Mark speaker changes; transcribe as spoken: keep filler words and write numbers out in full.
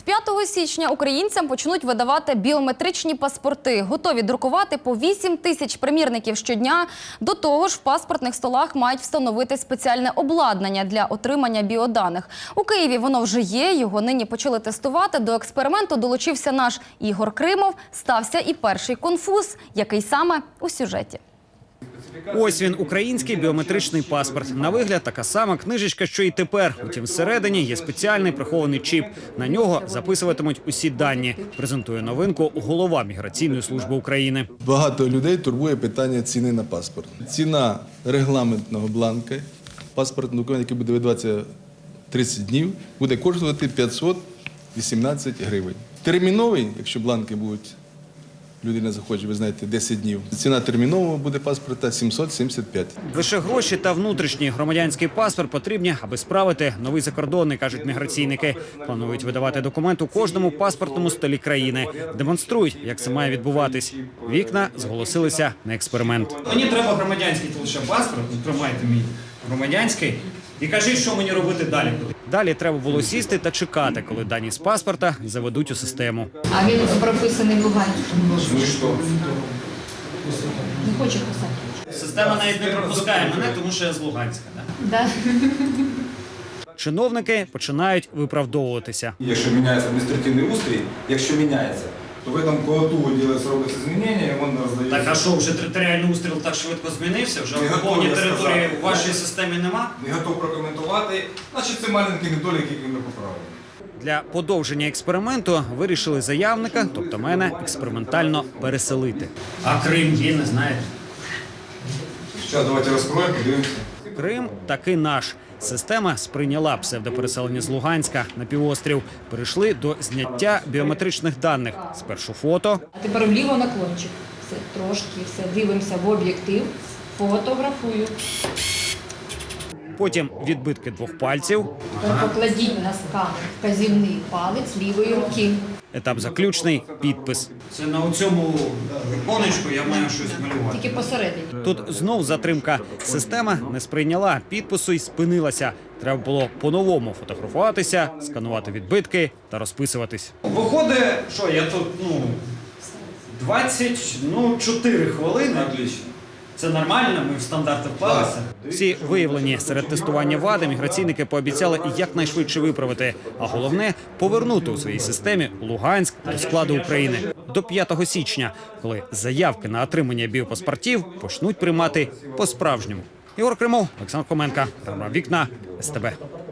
Speaker 1: п'ятого січня українцям почнуть видавати біометричні паспорти. Готові друкувати по вісім тисяч примірників щодня. До того ж, в паспортних столах мають встановити спеціальне обладнання для отримання біоданих. У Києві воно вже є, його нині почали тестувати. До експерименту долучився наш Ігор Кримов. Стався і перший конфуз, який саме у сюжеті.
Speaker 2: Ось він, український біометричний паспорт. На вигляд така сама книжечка, що і тепер. Утім, всередині є спеціальний прихований чіп. На нього записуватимуть усі дані. Презентує новинку голова Міграційної служби України.
Speaker 3: Багато людей турбує питання ціни на паспорт. Ціна регламентного бланка, паспортного документа, який буде видаватися тридцять днів, буде коштувати п'ятсот вісімнадцять гривень. Терміновий, якщо бланки будуть, людина захоче, ви знаєте, десять днів. Ціна термінового буде паспорта сімсот сімдесят п'ять.
Speaker 2: Лише гроші та внутрішній громадянський паспорт потрібні, аби справити новий закордонний, кажуть міграційники. Планують видавати документ у кожному паспортному столі країни. Демонструють, як це має відбуватись. Вікна зголосилися на експеримент.
Speaker 4: Мені треба громадянський лише паспорт, тримайте мій громадянський, і кажіть, що мені робити далі.
Speaker 2: Далі треба було сісти та чекати, коли дані з паспорта заведуть у систему.
Speaker 5: А він прописаний в Луганську.
Speaker 4: Ну і що?
Speaker 5: Не хоче писати.
Speaker 4: Система навіть не пропускає мене, тому що я з Луганська. Да?
Speaker 5: Да.
Speaker 2: Чиновники починають виправдовуватися.
Speaker 6: Якщо міняється адміністративний устрій, якщо міняється, то в цьому колоту робиться змінення, і воно роздається.
Speaker 4: Так, а що, вже територіальний устріл так швидко змінився? Вже
Speaker 6: Не готовий
Speaker 4: повній території
Speaker 6: сказати.
Speaker 4: в вашій системі нема?
Speaker 6: Не готов прокоментувати, значить це маленький недолік, який ми поправимо.
Speaker 2: Для подовження експерименту вирішили заявника, тобто мене, експериментально переселити.
Speaker 4: А Крим є, не знаєте?
Speaker 6: Зараз давайте розкроємо, подивимося.
Speaker 2: Крим таки наш. Система сприйняла псевдопереселення з Луганська на півострів. Перейшли до зняття біометричних даних. Спершу фото,
Speaker 5: А тепер вліво наклончик. Все, трошки, все, дивимося в об'єктив, фотографую.
Speaker 2: потім відбитки двох пальців.
Speaker 5: Тепер покладіть на сканер вказівний палець лівої руки.
Speaker 2: Етап заключний – підпис.
Speaker 4: Це на цьому віконечку я маю щось малювати.
Speaker 5: Тільки посередині.
Speaker 2: Тут знов затримка. Система не сприйняла підпису і спинилася. Треба було по-новому фотографуватися, сканувати відбитки та розписуватись.
Speaker 4: Виходить, що я тут, ну, двадцять, ну, чотири хвилини.
Speaker 6: Отлично.
Speaker 4: Це нормально, ми в стандарти вклалися.
Speaker 2: Всі виявлені серед тестування вади міграційники пообіцяли якнайшвидше виправити, а головне – повернути у своїй системі Луганськ до складу України до п'ятого січня, коли заявки на отримання біопаспортів почнуть приймати по-справжньому. Ігор Кримов, Олександр Хоменко, програма «Вікна», ес те бе.